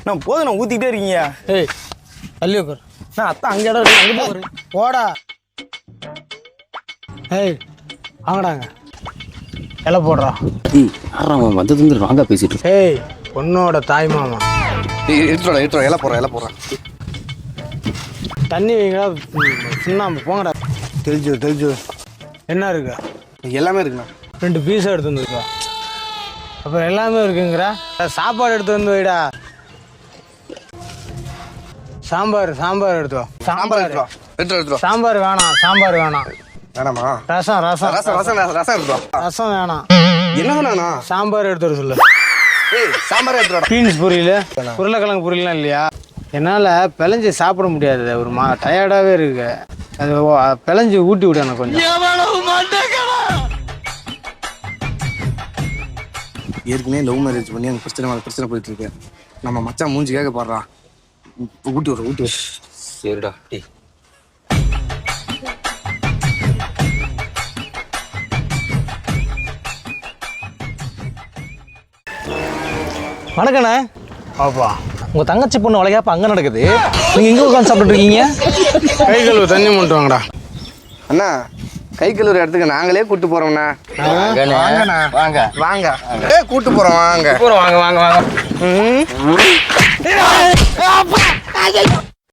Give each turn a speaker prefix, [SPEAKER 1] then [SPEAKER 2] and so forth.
[SPEAKER 1] நான் போதும் நான் ஊற்றிக்கிட்டே இருக்கீங்க.
[SPEAKER 2] ஏய் தள்ளி உட்கார்.
[SPEAKER 1] நான் அத்தான் அங்கே இடம் இருக்கு, அங்கே போகிறேன்.
[SPEAKER 2] போடா. ஏய் வாங்கடாங்க இலை போடுறா.
[SPEAKER 3] ஆறாம் வந்தது வாங்க பேசிட்டு.
[SPEAKER 2] ஏய் பொண்ணோட தாய் மாமா.
[SPEAKER 1] எடுத்துடா இலை போடுறேன்.
[SPEAKER 2] தண்ணி வைங்களா சுண்ணாம்பு போங்கடா. தெளிச்சு என்ன இருக்கு?
[SPEAKER 1] எல்லாமே இருக்குண்ணா.
[SPEAKER 2] 2 பீஸாக எடுத்து வந்துருக்கா. அப்புறம் எல்லாமே இருக்குங்கிற. சாப்பாடு எடுத்து வந்து வைடா. சாம்பார் எடுத்து வா. சாம்பார் வேணாம்.
[SPEAKER 1] வேணாமா?
[SPEAKER 2] ரசம்
[SPEAKER 1] எடுத்துடா.
[SPEAKER 2] வேணாம்.
[SPEAKER 1] என்ன வேணாண்ணா?
[SPEAKER 2] சாம்பார் எடுத்து வர சொல்லு.
[SPEAKER 1] ஏய் சாம்பார் எடுத்துடா.
[SPEAKER 2] பீன்ஸ் பொரியல், உருளைக்கிழங்கு பொரியல்லாம் இல்லையா? என்னால் பிழைஞ்சி சாப்பிட முடியாது. ஒரு டயர்டாகவே இருக்கு. அது பிழைஞ்சி ஊட்டி விடு எனக்கு கொஞ்சம்.
[SPEAKER 1] ஏற்கனவே லவ் மேரேஜ் பண்ணி அந்த பிரச்சனை போயிட்டு இருக்கு. நம்ம மச்சான் மூஞ்சி கேட்க பாடுறான். ஊட்டி விடு.
[SPEAKER 3] சரிடா. டேய்
[SPEAKER 4] வணக்கண்ணே.
[SPEAKER 2] பாப்பா
[SPEAKER 4] உங்கள் தங்கச்சி பொண்ணு வளையாப்ப அங்கே நடக்குது. நீங்கள் எங்கே உட்காந்து சாப்பிட்டு இருக்கீங்க?
[SPEAKER 2] கை கழுவு தண்ணி மட்டும் வாங்கடா.
[SPEAKER 1] அண்ணா கை கழுவுற இடத்துக்கு நாங்களே கூட்டு போறோம்ண்ணா. வாங்க. கூட்டு போறோம் வாங்க.
[SPEAKER 4] வாங்க.